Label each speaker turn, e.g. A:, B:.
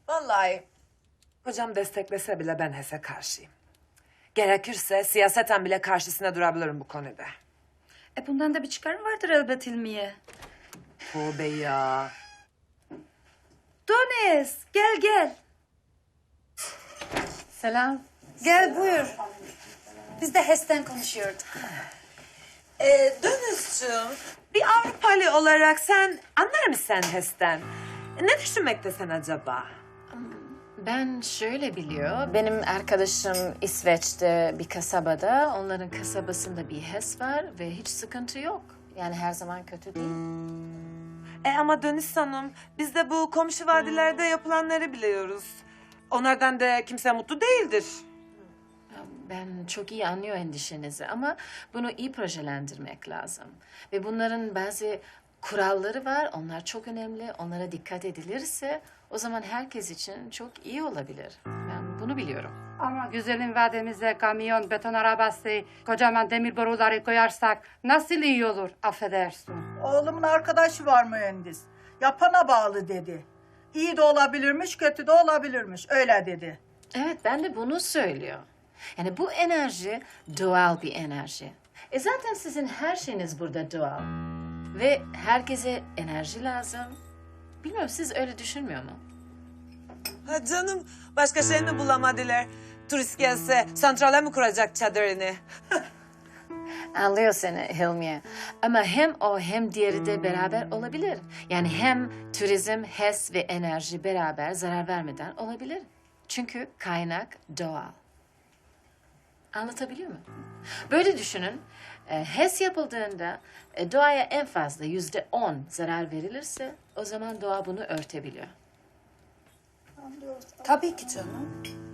A: Vallahi kocam desteklese bile ben HES'e karşıyım. Gerekirse siyaseten bile karşısına durabilirim bu konuda.
B: Bundan da bir çıkarım vardır elbet Hilmiye.
A: Tövbe ya.
B: Deniz, gel.
C: Selam.
B: Gel buyur. Biz de HES'ten konuşuyorduk.
A: Dönüzcüğüm, bir Avrupalı olarak sen anlar mısın HES'ten? Ne düşünmektesin acaba?
C: Ben şöyle biliyor. Benim arkadaşım İsveç'te bir kasabada. Onların kasabasında bir HES var ve hiç sıkıntı yok. Yani her zaman kötü değil.
A: Ama Dönüz Hanım, biz de bu komşu vadilerde yapılanları biliyoruz. Onlardan da kimse mutlu değildir.
C: Ben çok iyi anlıyor endişenizi ama bunu iyi projelendirmek lazım. Ve bunların bazı kuralları var. Onlar çok önemli. Onlara dikkat edilirse o zaman herkes için çok iyi olabilir. Ben bunu biliyorum.
D: Ama güzelim vademize kamyon, beton arabası, kocaman demir boruları koyarsak nasıl iyi olur affedersin.
E: Oğlumun arkadaşı var mühendis. Yapana bağlı dedi. İyi de olabilirmiş, kötü de olabilirmiş. Öyle dedi.
C: Evet, ben de bunu söylüyor. Yani bu enerji doğal bir enerji. Zaten sizin her şeyiniz burada doğal. Ve herkese enerji lazım. Bilmiyorum, siz öyle düşünmüyor mu?
A: Ha canım, başka şey mi bulamadılar? Turist gelse santrale mi kuracak çadırını?
C: Anlıyor seni Hilmiye. Ama hem o hem diğeri de beraber olabilir. Yani hem turizm, HES ve enerji beraber zarar vermeden olabilir. Çünkü kaynak doğal. Anlatabiliyor muyum? Böyle düşünün. HES yapıldığında doğaya en fazla %10 zarar verilirse o zaman doğa bunu örtebiliyor.
B: Tabii ki canım.